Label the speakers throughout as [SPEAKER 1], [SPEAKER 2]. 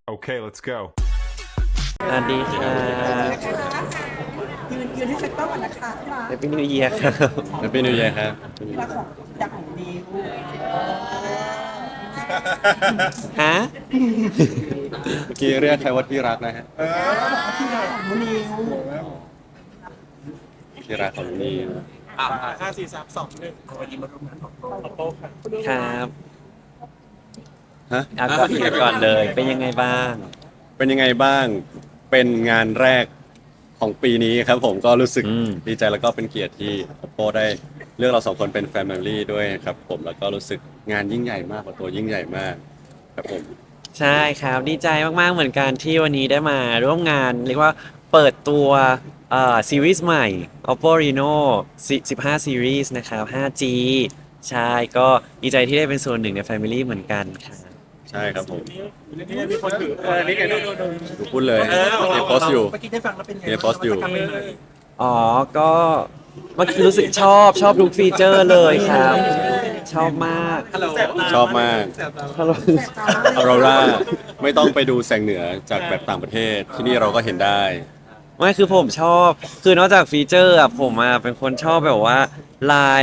[SPEAKER 1] Okay, let's go.
[SPEAKER 2] สวัสดีค่ะ
[SPEAKER 3] ยืนให้เซ็ตเตอร์ก่อนนะคะที่รัก
[SPEAKER 2] แฮปปี้นิวเยียร์ครับ
[SPEAKER 4] แฮปปี้นิวเยียร์ครับ
[SPEAKER 3] ที่รักของอยากของดิว
[SPEAKER 2] ฮะ
[SPEAKER 4] เมื่อกี้เรียกใครว่าที่รักนะฮะ
[SPEAKER 3] ที่รักของนิว
[SPEAKER 4] ที่รักของนี่
[SPEAKER 3] วันนี้มาร่วมงานของโปค่ะ
[SPEAKER 2] ครับ
[SPEAKER 4] ฮะ
[SPEAKER 2] เอาก่อนเลย เป็นยังไงบ้าง
[SPEAKER 4] เป็นยังไงบ้างเป็นงานแรกของปีนี้ครับผมก็รู้สึก
[SPEAKER 2] อืม
[SPEAKER 4] ดีใจแล้วก็เป็นเกียรติที่ Oppo ได้เลือกเราสองคนเป็นแฟมิลี่ด้วยครับผมแล้วก็รู้สึกงานยิ่งใหญ่มากกว่าตัวยิ่งใหญ่มากครับผม
[SPEAKER 2] ใช่ครับ ดีใจมากๆ เหมือนกันที่วันนี้ได้มาร่วมงาน เรียกว่าเปิดตัวซีรีส์ใหม่ Oppo Reno 15 Series นะครับ 5G ใช่ ก็ดีใจที่ได้เป็นส่วนหนึ่งใน Family เหมือนกันครับ
[SPEAKER 4] ใช่ครับผม
[SPEAKER 3] นี่มีคนถือนี่ไงนู่น
[SPEAKER 4] ดูพูดเลยมีโพสต์อยู่
[SPEAKER 3] เมื่อกี้ได้ฟังแล้วเป็นไง
[SPEAKER 4] มีโพสต์อยู่
[SPEAKER 2] อ๋อ ก็เมื่อกี้รู้สึกชอบทุกฟีเจอร์เลยครับ ชอบมาก
[SPEAKER 4] ชอบมากออโรราไม่ต้องไปดูแสงเหนือจากแบบต่างประเทศที่นี่เราก็เห็นได้
[SPEAKER 2] ไม่คือผมชอบ คือนอกจากฟีเจอร์อะผมอะเป็นคนชอบแบบว่าลาย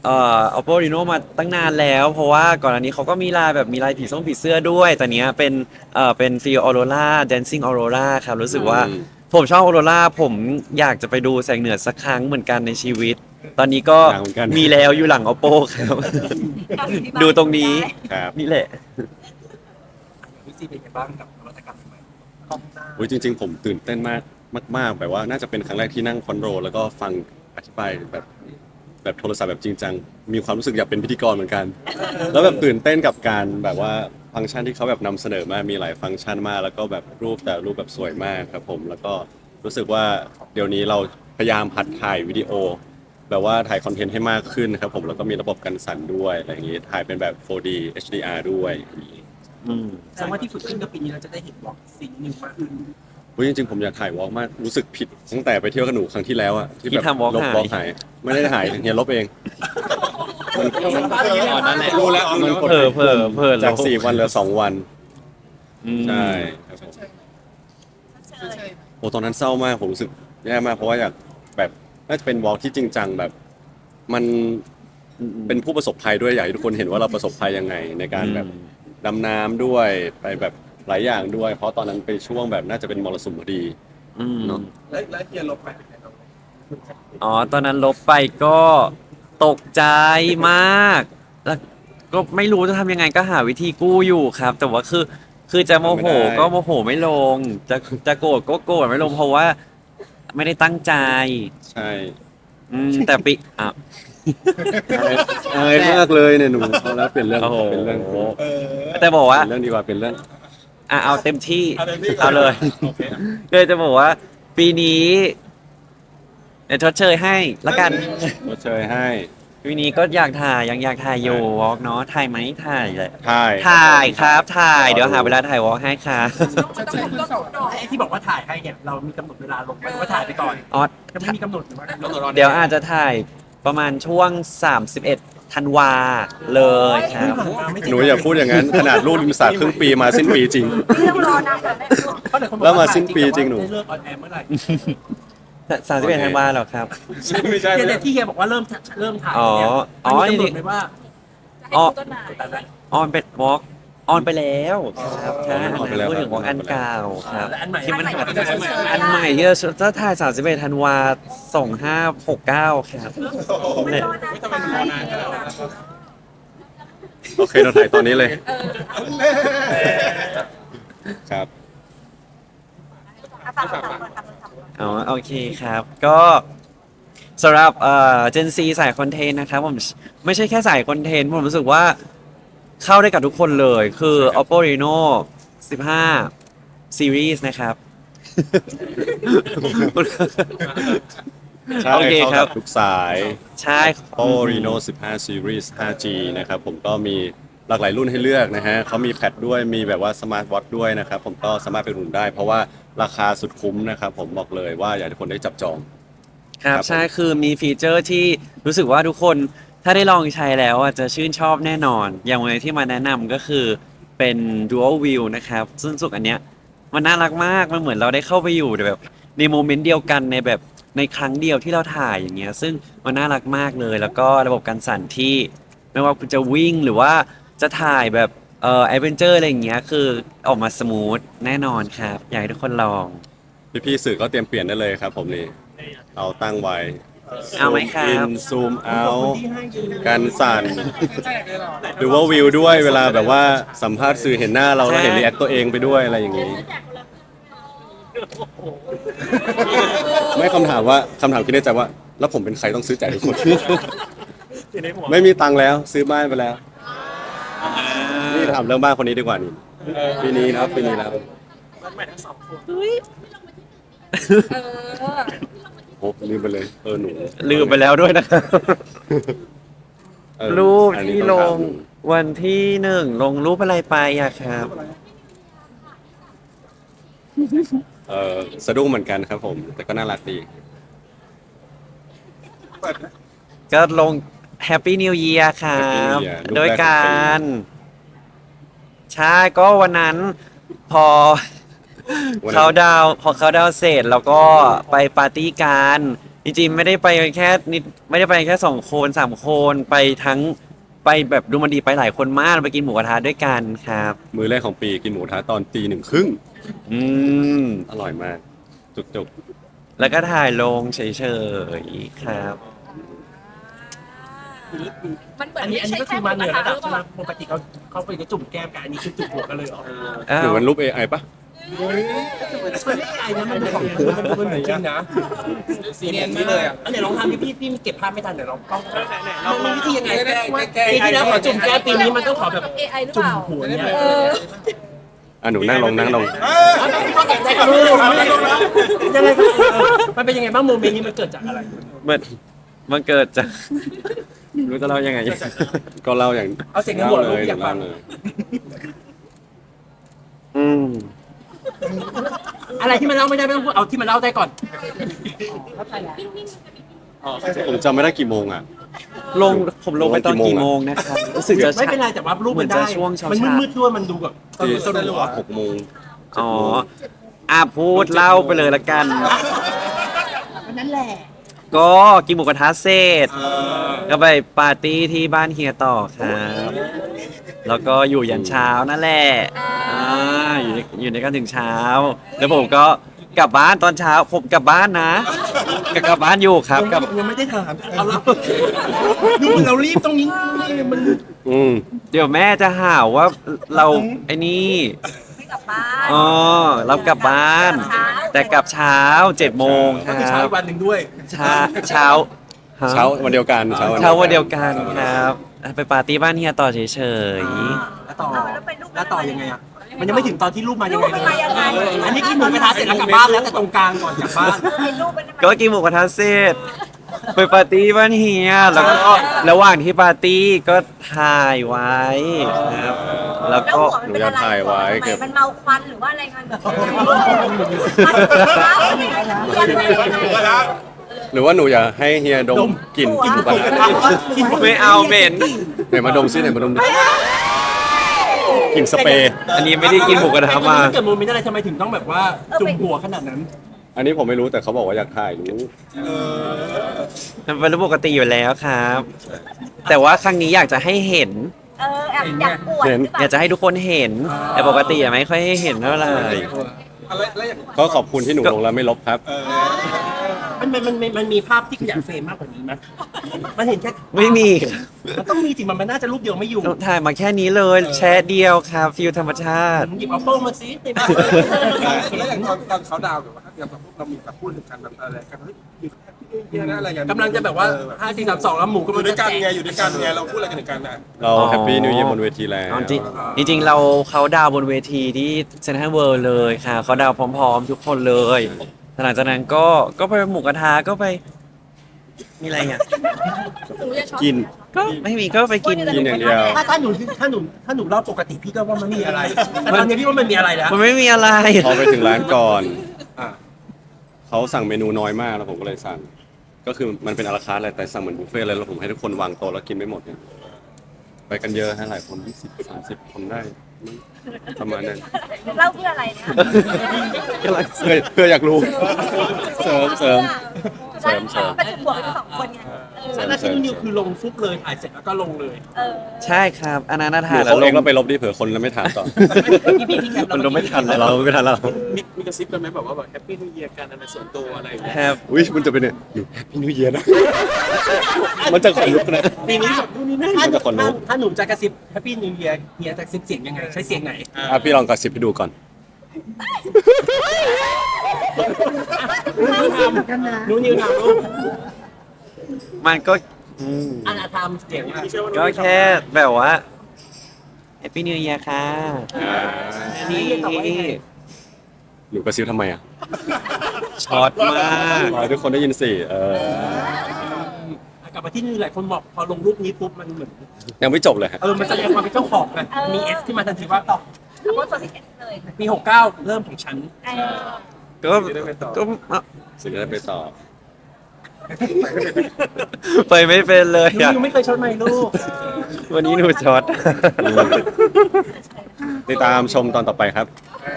[SPEAKER 2] Oppo Reno มาตั้งนานแล้ว เพราะว่าก่อนอันนี้เขาก็มีลายแบบมีลายผีส้มผีเสื้อด้วย แต่เนี้ยเป็นฟีลออโรรา Dancing Aurora ครับ รู้สึกว่า
[SPEAKER 4] อืม
[SPEAKER 2] ผมชอบออโรราผมอยากจะไปดูแสงเหนือสักครั้งเหมือนกันในชีวิต ตอนนี้ก็
[SPEAKER 4] อยากเหมือนกัน
[SPEAKER 2] มีแล้วอยู่หลัง Oppo ครับ ดูตรงนี้
[SPEAKER 4] ครับ
[SPEAKER 2] นี่แหละ
[SPEAKER 3] พี่ซีเป็นยังไงบ้างกับนวัตกรรมใหม่กล้องหน้า
[SPEAKER 4] อุ๊ยจริง ๆ ผมตื่นเต้นมากแบบว่าน่าจะเป็นครั้งแรกที่นั่งคอนโทรลแล้วก็ฟังอธิบายแบบโทรศัพท์แบบจริงจังมีความรู้สึกอยากเป็นพิธีกรเหมือนกัน แล้วแบบตื่นเต้นกับการแบบว่าฟังก์ชันที่เขาแบบนำเสนอมามีหลายฟังก์ชันมาก แล้วก็แบบรูปแต่รูปแบบสวยมากครับผมแล้วก็รู้สึกว่าเดี๋ยวนี้เราพยายามหัดถ่ายวิดีโอ แบบว่าถ่ายคอนเทนต์ให้มากขึ้นครับผมแล้วก็มีระบบกันสั่นด้วยอะไรอย่างงี้ถ่ายเป็นแบบ 4D HDR ด้วยอย่างงี้
[SPEAKER 2] อืม
[SPEAKER 3] แสดงว่าที่ฝึกขึ้นกับปีนี้เราจะได้เห็นวอล์กซีนิวมากขึ้น
[SPEAKER 4] อุ๊ยจริงๆผมอยากถ่ายวอล์กมากรู้สึกผิดตั้งแต่ไปเที่ยวกับหนูครั้งที่แล้วอะที่แบบ
[SPEAKER 2] ที่ทำ walk
[SPEAKER 4] ลบ
[SPEAKER 2] หาย
[SPEAKER 4] วอล์กหายไม่ได้หายเฮียลบเองมัน
[SPEAKER 2] นั่นแหละ
[SPEAKER 4] รู้แล้วมันกด
[SPEAKER 2] เผลอ
[SPEAKER 4] จาก
[SPEAKER 2] ลบ
[SPEAKER 4] 4 วันเหลือ 2 วัน
[SPEAKER 2] อืม
[SPEAKER 4] ใช่ครับผมโอ้ตอนนั้นเศร้ามากผมรู้สึกแย่มากเพราะว่าอยากแบบน่าจะเป็นวอล์กที่จริงจังแบบ มันเป็นผู้ประสบภัยด้วยอยากให้ทุกคนเห็นว่าเราประสบภัยยังไง ในการแบบดำน้ำด้วยไปแบบหลายอย่างด้วย เพราะตอนนั้นเป็นช่วงแบบน่าจะเป็นมรสุมพอดี
[SPEAKER 2] อืม
[SPEAKER 4] เนอะ
[SPEAKER 3] แล้วเฮียลบไปเป็นไงบ้าง
[SPEAKER 2] อ๋อ ตอนนั้นลบไปก็ตกใจมาก แล้วก็ไม่รู้จะทำยังไงก็หาวิธีกู้อยู่ครับ แต่ว่าคือจะโมโหก็โมโหไม่ลง จะโกรธก็โกรธไม่ลงเพราะว่าไม่ได้ตั้งใจ
[SPEAKER 4] ใช่
[SPEAKER 2] แต่ปิอ่ะ
[SPEAKER 4] อายมากเลยเนี่ยหนูเอาแล้วเปลี่ยนเรื่อง
[SPEAKER 2] โอ้โห
[SPEAKER 4] เป็นเรื่อง
[SPEAKER 2] แต่บอกว่า
[SPEAKER 4] เปลี่ยนเรื่องดีกว่าเป็นเรื่อง
[SPEAKER 2] เอาเต็มที่ เอาเลยเลยจะบอกว่า ปีนี้เดี๋ยวทดเชยให้ละกัน
[SPEAKER 4] มาเชยให้
[SPEAKER 2] ปีนี้ก็อยากถ่ายยังอยากถ่ายอยู่วอล์กเนาะถ่ายไหมถ่ายเลย
[SPEAKER 4] ถ่าย
[SPEAKER 2] ถ่ายครับถ่ายเดี๋ยวหาเวลาถ่ายวอล์กให้ครับ
[SPEAKER 3] ไอ้ที่บอกว่าถ่ายให้เนี่ยเรามีกำหนดเวลาลงไหมว่าถ่ายไปก่อน
[SPEAKER 2] ออส
[SPEAKER 3] จะไม่มีกำหนดหรือว่ากำหนด
[SPEAKER 2] เดี๋ยวอาจจะถ่ายประมาณช่วง 31 ธันวาเลยครับ
[SPEAKER 4] หนูอย่าพูดอย่างนั้น ขนาดลูกริมสระครึ่งปีมาสิ้นปีจริง แล้วมาสิ้นปีจริงหนู
[SPEAKER 3] เลิกออนแอร์เมื่อไหร่
[SPEAKER 2] 31 ธันวาเหรอครับ
[SPEAKER 4] ไม่ใช่
[SPEAKER 3] เนี่ยที่เฮียบอกว่าเริ่มถ่าย
[SPEAKER 2] อ๋อ
[SPEAKER 3] เนี่ย
[SPEAKER 2] อ๋อ
[SPEAKER 3] มันมีกำหนดไหมว่า
[SPEAKER 2] ออ
[SPEAKER 3] แต่ละ
[SPEAKER 2] ออนเป็นวอล์กออนไปแล้วครับใช่
[SPEAKER 4] ออนไปแล้ว
[SPEAKER 2] พูดถึงวอล์กอันเก่าครับ
[SPEAKER 3] และอันใหม่
[SPEAKER 2] ที่มันหา
[SPEAKER 3] อันใหม่
[SPEAKER 2] อันใหม่ที่จะถ่าย 31 ธันวา 2569 ครับเนี่ย
[SPEAKER 4] โอเคเราถ่ายตอนนี้เลยครับ
[SPEAKER 2] อ๋อโอเคครับ ก็สำหรับGen Z สายคอนเทนต์นะครับผมไม่ใช่แค่สายคอนเทนต์ผมรู้สึกว่าเข้าได้กับทุกคนเลยคือ Oppo Reno 15 Series นะครับ
[SPEAKER 4] ใช่
[SPEAKER 2] โอเค
[SPEAKER 4] เข้า
[SPEAKER 2] ครั
[SPEAKER 4] กับ บทุกสาย
[SPEAKER 2] ใช่
[SPEAKER 4] Oppo Reno 15 Series 5G นะครับผมก็มีหลากหลายรุ่นให้เลือกนะฮะเขามีแพดด้วยมีแบบว่าสมาร์ทวอทด้วยนะครับผมก็สามารถไปรุ่นได้ เพราะว่าราคาสุดคุ้มนะครับผมบอกเลยว่าอยากให้ทุกคนได้จับจอง
[SPEAKER 2] ครับ
[SPEAKER 4] ครับผม
[SPEAKER 2] ใช่คือมีฟีเจอร์ที่รู้สึกว่าทุกคนถ้าได้ลองใช้แล้วอ่ะจะชื่นชอบแน่นอน อย่างวันที่มาแนะนำก็คือเเป็น dual view นะครับซึ่งสุดอันเนี้ยมันน่ารักมากมันเหมือนเราได้เข้าไปอยู่แบบในโมเมนต์เดียวกันในแบบในครั้งเดียวที่เราถ่ายอย่างเงี้ยซึ่งมันน่ารักมากเลยแล้วก็ระบบการสั่นที่ไม่ว่าคุณจะวิ่งหรือว่าจะถ่ายแบบแอดเวนเจอร์อะไรอย่างเงี้ยคือออกมาสมูทแน่นอนครับอยากให้ทุกคนลอง
[SPEAKER 4] พี่ๆสื่อก็เตรียมเปลี่ยนได้เลยครับผมนี่เอาตั้งไว้
[SPEAKER 2] เอาไหมครับ
[SPEAKER 4] ซูมอินซูมเอา
[SPEAKER 3] คนที่ให้ยืน
[SPEAKER 4] การสั่นหรือว่าวิวด้วยเวลาแบบว่าสัมภาษณ์สื่อเห็นหน้าเราแล้วเห็นรีแอคตัวเองไปด้วยอะไรอย่างนี้ ไม่คำถามคิดในใจว่า แล้วผมเป็นใครต้องซื้อจ่ายทุกคน ไม่มีตังค์แล้วซื้อบ้านไปแล้วนี่ถามเรื่องบ้านคนนี้ดีกว่านี่ปีนี้นะครับปีนี้แล้ว
[SPEAKER 1] เออ
[SPEAKER 4] โอ้ลืมไปเลยหนู
[SPEAKER 2] ลืมไปแล้วด้วยนะครับ
[SPEAKER 4] เออ
[SPEAKER 2] รูป
[SPEAKER 4] อันนี้
[SPEAKER 2] ที่
[SPEAKER 4] ต้
[SPEAKER 2] ล
[SPEAKER 4] อง
[SPEAKER 2] งวันที่1ลงรูปอะไรไปอะครับ
[SPEAKER 4] สะดุ้งเหมือนกันครับผม แต่ก็น่ารักดี
[SPEAKER 2] ก็ลง Happy New Year ครับ
[SPEAKER 4] Happy New Year รูปแรกของปี
[SPEAKER 2] โดยการใช่ก็วันนั้นพอ
[SPEAKER 4] วันนั้น
[SPEAKER 2] เขาดาวน์พอเขาดาวน์เสร็จแล้วก็ไปปาร์ตี้กันจริงๆไม่ได้ไปแค่นิดไม่ได้ไปแค่2 คน3 คนไปทั้งไปแบบดูมันดีไปหลายคนมากไปกินหมูกระทะด้วยกันครับ
[SPEAKER 4] มื้อแรกของปีกินหมูกระทะตอนตี 1:30
[SPEAKER 2] อืม
[SPEAKER 4] อร่อยมาก จุก
[SPEAKER 2] แล้วก็ถ่ายลงเฉยๆครับ
[SPEAKER 1] มันเหมือน
[SPEAKER 3] อันนี้
[SPEAKER 1] ไม่ใช่
[SPEAKER 3] ก็
[SPEAKER 1] แค่
[SPEAKER 3] คือ
[SPEAKER 1] ห
[SPEAKER 3] มา
[SPEAKER 1] มู
[SPEAKER 3] เห
[SPEAKER 1] ก
[SPEAKER 3] นื
[SPEAKER 1] ระ
[SPEAKER 3] อ
[SPEAKER 1] ทะ
[SPEAKER 3] ระ
[SPEAKER 1] ห
[SPEAKER 3] ดับ
[SPEAKER 1] รือเปล่า
[SPEAKER 3] ปกติเขาไปจะจุ่มแก้มกันอันนี้คือจุ่มหัวกันเลยเหรอ
[SPEAKER 2] อ้า
[SPEAKER 4] หรือ
[SPEAKER 2] ว
[SPEAKER 4] มันรูป AI ปะ
[SPEAKER 3] มันไม่ไกลนะมันเป็นของมันเป็นจริงนะ
[SPEAKER 5] ซีเนียนนี่เลยอ่ะ
[SPEAKER 3] อันไหนลองทำพี่เก็บภาพไม่ทันเดี๋ยวลองกล้องลองมีวิธียังไง
[SPEAKER 5] แก้
[SPEAKER 3] ปีที่แล้วขอจุ่มแก้มปีนี้มันต้องขอแบบ
[SPEAKER 1] เอไอหรือ
[SPEAKER 3] จุ่
[SPEAKER 1] เป
[SPEAKER 3] ม
[SPEAKER 1] ล่า
[SPEAKER 3] หัวเนี่ย
[SPEAKER 1] เออ
[SPEAKER 4] หนูนั่งลง
[SPEAKER 3] ยังไงมันเป็นยังไงบ้างโมเมนต์นี้มันเกิดจากอะไร
[SPEAKER 2] มันเกิดจาก รู้จะเล่ายังไง
[SPEAKER 4] ก็เล่าอย่าง
[SPEAKER 3] เอาเสียงในหัวเราอยากฟัง
[SPEAKER 4] เล่เลย
[SPEAKER 2] อืม
[SPEAKER 3] อะไรที่มันเล่าไม่ได้ไม่ต้องพูดเอาที่มันเล่าได้ก่อน
[SPEAKER 4] ผมจำไม่ได้กี่โมงอ่ะ
[SPEAKER 2] ผมลงไปตอนกี่โมงนะครับรู้สึกจะ
[SPEAKER 3] ไม่เป็นไรแต่ว่ารูปมันได้
[SPEAKER 2] เหมือนจะช่วงเช้าๆ
[SPEAKER 3] มันมืดๆด้วยมันดูแบบตอน
[SPEAKER 4] ที่
[SPEAKER 3] สรุปอะ
[SPEAKER 4] 6 โมง
[SPEAKER 2] อ๋อพูดเล่าไปเลยละกัน
[SPEAKER 1] นั่นแหละ
[SPEAKER 2] ก็กินหมูกระทะเสร็จก็ไปปาร์ตี้ที่บ้านเฮียต่อครับ แล้วก็อยู่ยันเช้านั่นแหละอยู่ในกันถึงเช้า แล้วผมก็กลับบ้านตอนเช้า ผมกลับบ้านนะกลับบ้านอยู่ครับกลับ
[SPEAKER 3] ยังไม่ได้ถามเอาเราดูเหมือนเรารีบตรงนี้มัน
[SPEAKER 4] อืม
[SPEAKER 2] เดี๋ยวแม่จะหาว่าเราไอ้นี่
[SPEAKER 1] ไม่กลับบ้าน
[SPEAKER 2] อ๋อเรากลับบ้าน แต่กลับเช้า7 โมงค
[SPEAKER 3] ก็
[SPEAKER 2] รั
[SPEAKER 3] คือเช้า
[SPEAKER 2] บ
[SPEAKER 3] อีกวันหนึ่งด้วย
[SPEAKER 2] เช้าฮะ
[SPEAKER 4] เช้าวันเดียวกันเช้า
[SPEAKER 2] เช้าวันเดียวกันครับ ไปปาร์ตี้บ้านเฮียต่อเฉย
[SPEAKER 3] แล้วต่อยังไงอ่ะมันยังไม่ถึงตอนที่รูปมายัง
[SPEAKER 1] รู
[SPEAKER 3] ไง
[SPEAKER 1] ปมันมายังไง
[SPEAKER 3] อันนี้กินหมูกระทะเสร็จแล้วกลับบ้านแล้วแต่ตรงกลางก่อนกลับบ้าน
[SPEAKER 1] รูปมันมา
[SPEAKER 2] ๆก็กินหมูกระทะเสร็จไปปาร์ตี้บ้านเฮียแล้วก็ระหว่างที่ปาร์ตี้ก็ถ่ายไว้ครับ แล้วก็
[SPEAKER 4] หนูจะถ่ายไว้เก็บ
[SPEAKER 1] มันเมาควันหรือว่าอะไรมัน
[SPEAKER 4] หรือว่าหนูอยากให้เฮียดมกลิ่นหมูกระทะ
[SPEAKER 2] ไม่เอาเหม็น
[SPEAKER 4] ไหนมาดมซิไหนมาดมดิกลิ่นสเปรย์
[SPEAKER 2] อันนี้ไม่ได้กินหมูกระทะมา
[SPEAKER 3] เกิดโมเมนต์อะไรทำไมถึงต้องแบบว่าจุ่มหัวขนาดนั้น
[SPEAKER 4] อันนี้ผมไม่รู้แต่เขาบอกว่าอยากถ่ายรู้
[SPEAKER 2] มันเป็นเรื่องปกติอยู่แล้วครับ แต่ว่าครั้งนี้อยากจะให้เห็น
[SPEAKER 1] แอบอยากปวดหรือเป
[SPEAKER 2] อยากจะ
[SPEAKER 1] ล่า
[SPEAKER 2] ให้ทุกคนเห็น แต่ปกติอะไม่ค่อยให้เห็นเท่าไหร่
[SPEAKER 4] ก็ขอบคุณที่หนูลงแล้วไม่ลบครับ
[SPEAKER 3] มันมีภาพที่อยากเฟรมมากกว่านี้ไหมมันเห็นแค่
[SPEAKER 2] ไม่มี
[SPEAKER 3] มันต้องมีสิมันน่าจะรูปเดียวไม่อยู่
[SPEAKER 2] ถ่ายมาแค่นี้เลย แชร์เดียวครับฟิลธรรมชาติ
[SPEAKER 3] หยิบเอาโป้งมาซิในบ้าน
[SPEAKER 5] แล้วอย่างตอนเขาดาวน์แบบว่าอย่างแบบพวกเรามีแบบพูดถึงกันแบบอะไรกันเฮ้ยอยู่ที่นี่นะอะไรกัน
[SPEAKER 3] กำลังจะแบบว่า5 4 3 2แล้วหมูก็
[SPEAKER 5] อ
[SPEAKER 3] มั
[SPEAKER 5] ยู่
[SPEAKER 3] น
[SPEAKER 5] ด้วยกันไงอยู่ด้วยกันไงเราพูดอะไรกันถึงกันนะ
[SPEAKER 4] เราแฮปปี้นิวเยียร์บนเวทีแล้ว
[SPEAKER 2] อ๋อจริงเราเขาดาวน์บนเวทีที่เซนทรัลเวิลด์เลยค่ะเขาดาวน์พร้อมๆ ทุกคนเลยหลังจากนั้นก็ไปหมูกระทะก็ไป มีอะไรอ่ะ
[SPEAKER 4] กิน
[SPEAKER 2] ก็ไม่มีก็ไปกิน
[SPEAKER 4] กินอย่างเดียว
[SPEAKER 3] ถ้าหนูเล่าปกติพี่ก็ว่ามันมีอะไรแต่ตอนนี้พี่ว่ามันมีอะไรแล้ว
[SPEAKER 2] มันไม่มีอะไร
[SPEAKER 4] พอไปถึงร้านก่อน
[SPEAKER 5] อ่ะ
[SPEAKER 4] เขาสั่งเมนูน้อยมากแล้วผมก็เลยสั่ง ก็คือมันเป็นอาราคาร์ทอะไรแต่สั่งเหมือนบุฟเฟ่ต์เลยแล้วผมให้ทุกคนวางโต๊ะแล้วกินไม่หมดเนี่ยไปกันเยอะฮะหลายคน20-30 คนได้ประมาณนั้น
[SPEAKER 1] เล่าเพื่ออะไรเนี่ย
[SPEAKER 4] กำลังเพื่ออยากรู้เสริม
[SPEAKER 1] เสริมประจุบวกทั้งสองคนไง
[SPEAKER 3] แล้วที่นิวคือลงฟุบเลยถ่ายเสร็จแล้วก็ลงเลย
[SPEAKER 2] ใช่ครับอันนั้นน่า
[SPEAKER 4] ห
[SPEAKER 2] ถ่า
[SPEAKER 4] รื
[SPEAKER 2] ย
[SPEAKER 4] อ
[SPEAKER 2] แล้ว
[SPEAKER 4] เขา
[SPEAKER 2] ล
[SPEAKER 4] เอง
[SPEAKER 2] ง
[SPEAKER 4] เราไปลบดิเผื่อคนแล้วไม่ถามต่อ
[SPEAKER 2] มันลงไม่ทันเราไม่ทันแล้ว
[SPEAKER 5] มีกระซิบกันไหมแบบว่าแบบแฮปปี้นิวเยียร์กันอะไรส่วนตัวอะไรอย่างเงี้ย
[SPEAKER 2] ครับ
[SPEAKER 4] อุ้ยมันจะเป็นเนี่ยอยู่แฮปปี้นิวเยียร์นะ มันจะขนลุกนะ
[SPEAKER 3] ปีนี้แบบนู่นนี่นั่น
[SPEAKER 4] มันจะขนลุก
[SPEAKER 3] ถ้าหนุ่มจะกระซิบแฮปปี้นิวเยียร์เฮียจะกระซิบเสียงยังไงใช้เสียงไหน
[SPEAKER 4] อ่ะพี่ลองกระซิบให้ดูก่อน
[SPEAKER 3] นูนิวทำลูก
[SPEAKER 2] มันก็อืม
[SPEAKER 3] อันทำเสียงอะ
[SPEAKER 2] ก็แค่แบบว่า Happy New Year ค่ะ
[SPEAKER 4] อ่า
[SPEAKER 2] นี่
[SPEAKER 4] หนูกระซิบทำไมอ่ะ
[SPEAKER 2] ช็อตมาก
[SPEAKER 4] ให้ทุกคนได้ยินสิ
[SPEAKER 3] กลับมาที่นี่หลายคนบอกพอลงรูปนี้ปุ๊บมันเหมือน
[SPEAKER 4] ยังไม่จบเลยฮะ
[SPEAKER 3] มันแสดงความเป็นเจ้าของไงมีเอสที่มาทันทีว่าต่อ
[SPEAKER 1] โพสต์เอสเลย
[SPEAKER 3] ปี69เริ่มของฉัน
[SPEAKER 2] ก็ก็
[SPEAKER 4] สิ่งที่ได้ไปต่อ
[SPEAKER 2] ไปไม่เป็นเลย
[SPEAKER 3] นู
[SPEAKER 2] อ่ะ
[SPEAKER 3] นิวไม่เคยชดไหมลูก
[SPEAKER 2] วันนี้หนูช็อต
[SPEAKER 4] ติดตามชมตอนต่อไปครับ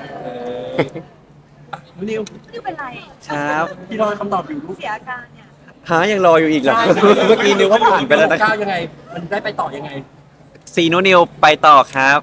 [SPEAKER 3] นูนิว
[SPEAKER 1] นี่เป็นไร
[SPEAKER 2] ครับ
[SPEAKER 3] พี่รอคำตอบอยู่ลูก
[SPEAKER 1] เสียอาการเนี่ย
[SPEAKER 2] หายังรออยู่อีกเหรอ เมื่อกี้นิวก็ผ่านไปแล้วนะ
[SPEAKER 3] 69ยังไง มันได้ไปต่อยังไง
[SPEAKER 2] ซีโนนิวไปต่อครับ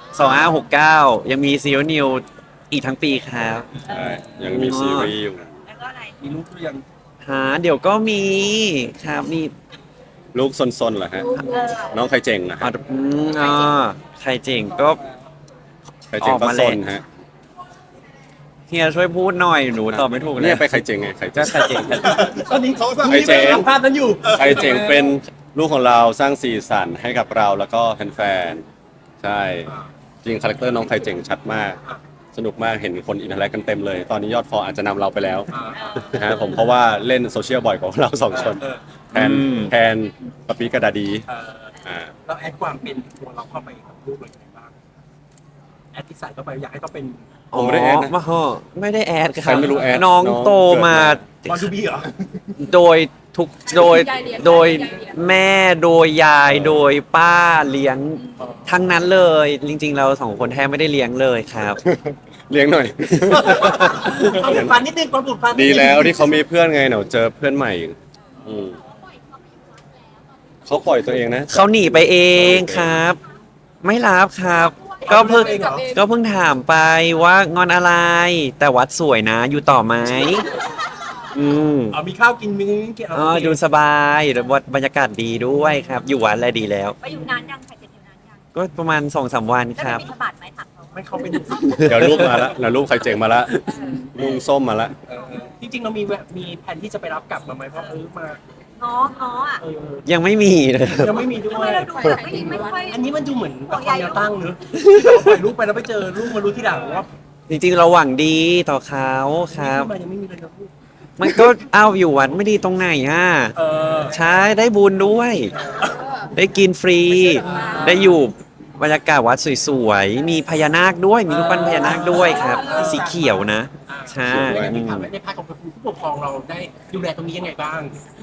[SPEAKER 2] 2569ยังมีซีโนนิวอีกทั้งปีครับ
[SPEAKER 4] ใช่ยังมีซีรีส์อยู่
[SPEAKER 1] แล้วก็อะไร
[SPEAKER 3] มีลูกหรือยัง
[SPEAKER 2] เดี๋ยวก็มีครับมี
[SPEAKER 4] ลูกซนๆเหรอฮะ น้องใครเจ๋งนะ
[SPEAKER 2] อ๋อ
[SPEAKER 4] ฮะ
[SPEAKER 2] ใครเจ๋งก็
[SPEAKER 4] ใครเจ๋ง
[SPEAKER 2] ออก
[SPEAKER 4] ก็
[SPEAKER 2] มา
[SPEAKER 4] ซ
[SPEAKER 2] เลย
[SPEAKER 4] นฮะ
[SPEAKER 2] เฮียช่วยพูดหน่อยหนูตอบไม่ถูกเล
[SPEAKER 4] เนี่ย ยไปใครเจ๋งไงใคร
[SPEAKER 2] ก็
[SPEAKER 4] เจ๋ง
[SPEAKER 2] ใครเจ๋ง
[SPEAKER 3] ตอนนี้
[SPEAKER 4] ใครเจ๋ง
[SPEAKER 3] ทำภาพนั้นอยู่
[SPEAKER 4] ใครเจ๋งเป็นลูกของเราสร้างสีสันให้กับเราแล้วก็แฟนๆใช่จริงคาแรคเตอร์น้องใครเจ๋งชัดมาก สนุกมากเห็นคนอินเทอร์แอคกันเต็มเลย ตอนนี้ยอดฟอลอาจจะนำเราไปแล้วนะฮะผมเพราะว่าเล่นโซเชียลบ่อยกว่าเราสองคนแทนปะปีกระดาดีอ่า
[SPEAKER 3] เราแอดความเป็นตัวเราเข้าไปกับรูปอะไรยังไงบ้างแอดที่ใส่เข้าไปอยากให้เขาเป็น
[SPEAKER 4] ผมไม่ได้แอดนะ
[SPEAKER 2] ไม่ได้แอดค
[SPEAKER 4] ใคร
[SPEAKER 2] รับ
[SPEAKER 4] ไม่รู้แอด
[SPEAKER 2] น้อง
[SPEAKER 4] น้อง
[SPEAKER 2] โตมา
[SPEAKER 3] บอลดูบีเหรอ
[SPEAKER 2] โดยทุกโดยแม่โดยยายโดยป้าเลี้ยงทั้งนั้นเลย จริง ๆ เราสองคนแทบไม่ได้เลี้ยงเลยครับ
[SPEAKER 4] เลี้ยงหน่อย
[SPEAKER 3] ความผูกพันนิดนึงความผูกพันนิ
[SPEAKER 4] ดี
[SPEAKER 3] นึง
[SPEAKER 4] แล้วที่เขามีเพื่อนไงเดี๋ยวเจอเพื่อนใหม่อืมเขาปล่อยตัวเองนะ
[SPEAKER 2] เขาหนีไปเองครับ ไม่รับครับ ก็เพิ่งถามไปว่างอนอะไร แต่วัดสวยนะ อยู่ต่อไหมม
[SPEAKER 3] มีข้าวกินมีกิน
[SPEAKER 2] ดูสบายแล้ววัดบรรยากาศดีด้วยครับ อยู่วัดอะไรดีแล้ว
[SPEAKER 1] ไปอยู่นานยังใครจะอยู่นานยัง
[SPEAKER 2] ก็ประมาณ 2-3 วัน
[SPEAKER 1] แล้ว
[SPEAKER 2] ครับ
[SPEAKER 1] มีธบัตรไหมถามเขา
[SPEAKER 3] ไม่เข้าเป็น
[SPEAKER 4] เดี๋ยวรูปมาละเดี๋ยวรูปใครเจ๋งมาละลุงส้มมาละ
[SPEAKER 3] จริงๆเรามีแผนที่จะไปรับกลับมาไหมเพราะมา
[SPEAKER 1] ง้ออ่ะ
[SPEAKER 2] ยังไม่มีเลยครับ
[SPEAKER 3] ยังไม่มีด้
[SPEAKER 1] ทำ
[SPEAKER 3] ว
[SPEAKER 1] ไม
[SPEAKER 3] ย
[SPEAKER 1] เราดูแบบไม่ค่อย
[SPEAKER 3] อันนี้มันดูเหมือนละครแนวตั้งเนอะที่เราปล่อยรูปไปแล้วไปเจอรูปมารู้ที่หลังว่า
[SPEAKER 2] จริงๆเราหวังดีต่อเขาครับ
[SPEAKER 3] รูปมายังไม่มีเลยนะพูด
[SPEAKER 2] มันก็เอาอยู่วัดไม่ดีตรงไหนอ่ะ ใช้ได้บุญด้วย ได้กินฟรี ได้อยู่บรรยากาศวัดสวยๆ มีพญานาคด้วย มีรูปปั้นพญานาคด้วยครับ สีเขียวนะ ใช่
[SPEAKER 3] ในถามในภาคของผู้ปกครองเราได้ดูแลตรงนี้ยังไงบ้าง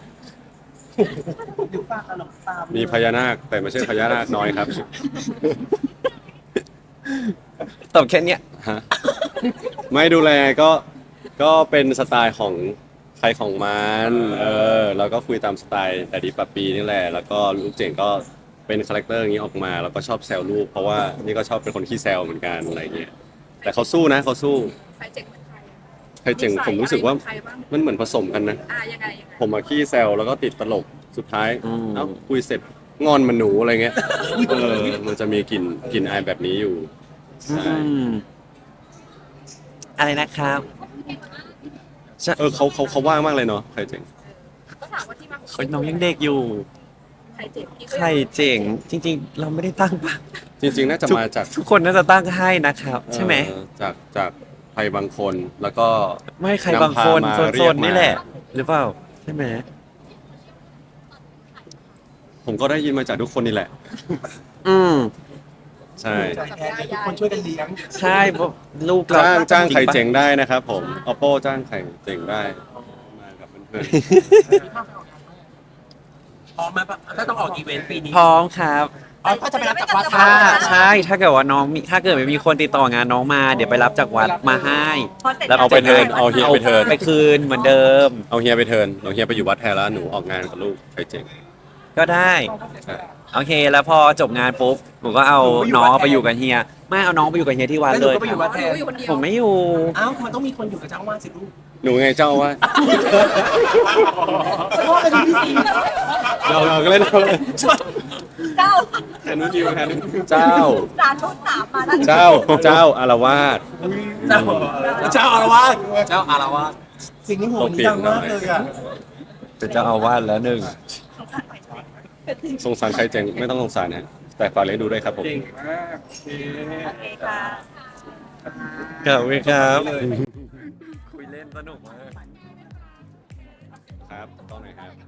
[SPEAKER 3] ดูป้าขนมตาม
[SPEAKER 4] มีพญานาคแต่ไม่ใช่พญานาคน้อยครับ
[SPEAKER 2] ตอบแค่เนี้ย
[SPEAKER 4] ฮะไม่ดูแลก็เป็นสไตล์ของใครของมันแล้วก็คุยตามสไตล์แต่ดีปะปีนี่แหละแล้วก็ลูกเจ๋งก็เป็นคาแรคเตอร์อย่างนี้ออกมาแล้วก็ชอบแซวลูกเพราะว่านี่ก็ชอบเป็นคนขี้แซวเหมือนกันอะไรเงี้ยแต่เขาสู้นะเขาสู้
[SPEAKER 6] ใครเจ๋งเหมือนใคร
[SPEAKER 4] ใครเจ๋งผมรู้สึกว่า
[SPEAKER 6] ใครบ้าง
[SPEAKER 4] มันเหมือนผสมกันนะ
[SPEAKER 6] ยังไง
[SPEAKER 4] ผมมาขี้แซวแล้วก็ติดตลกสุดท้าย
[SPEAKER 2] อืม
[SPEAKER 4] เอ้าคุยเสร็จงอนมันหนูอะไรเงี้ยมันจะมีกลิ่นอายแบบนี้อยู่ใช่
[SPEAKER 2] อะไรนะครับ
[SPEAKER 4] เขาว่างมากเลยเนาะใครเจ๋ง
[SPEAKER 6] ก็ถามว่าที่มาของ
[SPEAKER 2] โอ๊ยน้องยังเด็กอยู่
[SPEAKER 6] ใครเจ๋งพี่
[SPEAKER 2] ใครเจ๋ง จริง ๆ เราไม่ได้ตั้งปะ
[SPEAKER 4] จริงๆ น่าจะมาจาก
[SPEAKER 2] ทุกคนน่าจะตั้งให้นะครับ ใช่ไหม
[SPEAKER 4] จากใครบางคนแล้วก็
[SPEAKER 2] ไม่ใครบางคน
[SPEAKER 4] นำพามา
[SPEAKER 2] โซ
[SPEAKER 4] เรียก
[SPEAKER 2] น
[SPEAKER 4] มา
[SPEAKER 2] ๆนี่แหละ หรือเปล่า ใช่ไหม
[SPEAKER 4] ผมก็ได้ยินมาจากทุกคนนี่แหละ
[SPEAKER 2] อืม
[SPEAKER 4] ใช่
[SPEAKER 3] ทุกคนช่วยกันเลี้ยง
[SPEAKER 2] ใช่เพราะลูกเรา
[SPEAKER 4] จ้างใคร
[SPEAKER 2] ปะ
[SPEAKER 4] เจ๋งได้นะครับผม oppo จ้างใครเจ๋งได้มากับเพื่อน
[SPEAKER 3] พร้อมไหมปะถ้าต้องออกอีเวนต์ปีนี้
[SPEAKER 2] พร้อมครับ
[SPEAKER 3] ออ๋อก็จะไปรับจากวัด
[SPEAKER 2] ถ้าใช่ถ้าเกิดว่าน้องมีถ้าเกิดไม่มีคนติดต่องานน้องมาเดี๋ยวไปรับจากวัดมาให้ แล้วเอาไปเทิร์น
[SPEAKER 4] เอาเฮียไปเทิร์น
[SPEAKER 2] ไปคืนเหมือนเดิม
[SPEAKER 4] เอาเฮียไปเทิร์นเอาเฮียไปอยู่วัดแทนแล้วหนูออกงานกับลูกใครเจ๋ง
[SPEAKER 2] ก็ได้
[SPEAKER 4] ใช่
[SPEAKER 2] โอเค แล้วพอจบงานปุ๊บผมก็เอาน้องไปอยู่กับเฮียไม่เอาน้องไปอยู่กับเฮียที่วัด
[SPEAKER 3] แล้วห
[SPEAKER 2] เล
[SPEAKER 3] นู
[SPEAKER 2] ย
[SPEAKER 3] ก็ไปอยู่วัดแทน
[SPEAKER 6] อยู่คนเดียว
[SPEAKER 2] ผมไม่อยู่
[SPEAKER 3] อ้าวมันต้องมีคนอยู่กับเจ้าอาวาสสิลูก
[SPEAKER 4] หนูไงเจ้าว่า
[SPEAKER 3] พ่อเป็นพี่ซี
[SPEAKER 4] เราก็เล่นเราเลย
[SPEAKER 1] เจ้า
[SPEAKER 4] แทนนู้นดิวแทนนู้นเจ้า
[SPEAKER 1] สารทุนสามมาแล้ว
[SPEAKER 4] เจ้าอารวาส
[SPEAKER 3] เจ้าอารวาสเจ้าอารวาสสิ่งนี้หัวนี้ดังมากเลยอ่ะ
[SPEAKER 2] เป็นเจ้าอาวาสแล้วหนึ่ง
[SPEAKER 4] สงสารใครเจ๋งไม่ต้องสงสารนะแต่ฝากเลี้ยงดูด้วยครับผม
[SPEAKER 5] เก่งมากโอเค
[SPEAKER 1] โอเคค่ะ
[SPEAKER 2] ขอบคุณครับคุยเล่นสนุกมาก
[SPEAKER 4] ครับต้องไหนครับ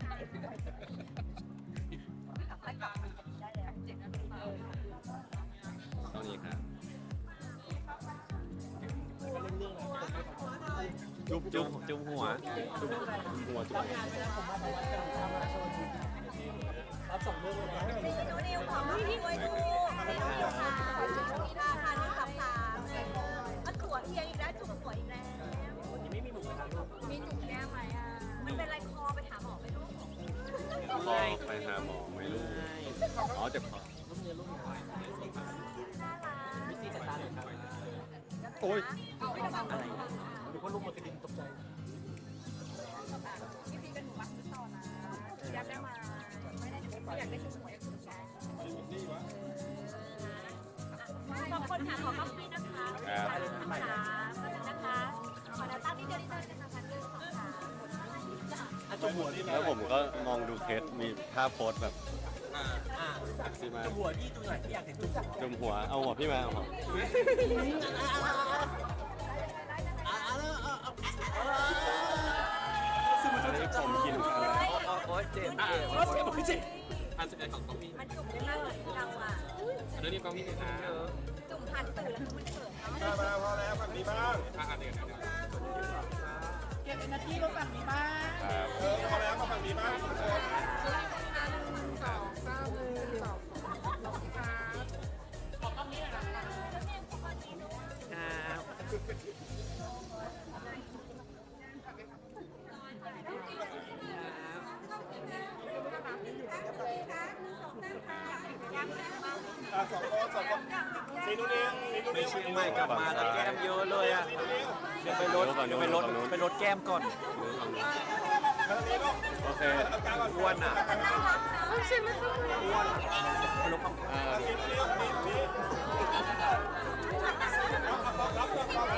[SPEAKER 4] ต้องนี้ครับ
[SPEAKER 2] จุ่มหัว
[SPEAKER 1] นิวขอมาด้วยดูค่ะท่าทางนี้ขับขามันสวยเอียงอีกแล้วจุกสวยอีกแล้วมีจุกแก้มไหมอ่ะมันเป็นไรคอไปหาหมอไปลูก
[SPEAKER 4] รอไปหาหมอไหมลูกอ๋อเจ็บคอโอ้ย
[SPEAKER 3] หรือว่าลูกมันกระดิ่งตกใจ
[SPEAKER 6] พี่พีเป็นหนูรักพี่ต่อนะอยากได้มาไม่ได้ไม่อยากได้ชุดหวยกับชุดแก
[SPEAKER 1] สองคนค่ะขอเข้าพี่นะคะนะคะนะคะขอแนวตั้งที่เดียวที่เดินนะคะหนึ่งสองสาม
[SPEAKER 4] แล้วผมก็มองดูเคสมีภาพโพสแบบซีมา
[SPEAKER 3] หัวที่ตรงไหนที่อยากเห็นจุ๊บ
[SPEAKER 4] จมหัวเอาหัวพี่มาเอาหัวผมกินอะไร
[SPEAKER 2] โอ้ยเจ็บ
[SPEAKER 3] ไม่ใช่
[SPEAKER 1] มันจุ่มได้มากเลยเราอ่ะจุ่มผ่านสื่อแล้วมันเขินเนาะ
[SPEAKER 5] มาพอแล้วฝั่งนี้บ้าง
[SPEAKER 6] เก็บเอเนอร์จีมาฝั่งนี้บ้าง
[SPEAKER 5] พอแล้วมาฝั่งนี้บ้าง สีนู้นนี่สีนู้น
[SPEAKER 2] ไป
[SPEAKER 5] นี่
[SPEAKER 2] เชียงใหม่กลับมาแล้วแก้มเยอะเลยอ่ะเดี๋ยวไปลดแก้มก่อน
[SPEAKER 4] โอเค
[SPEAKER 2] อ้วนอ่ะอ้วนไปลดความ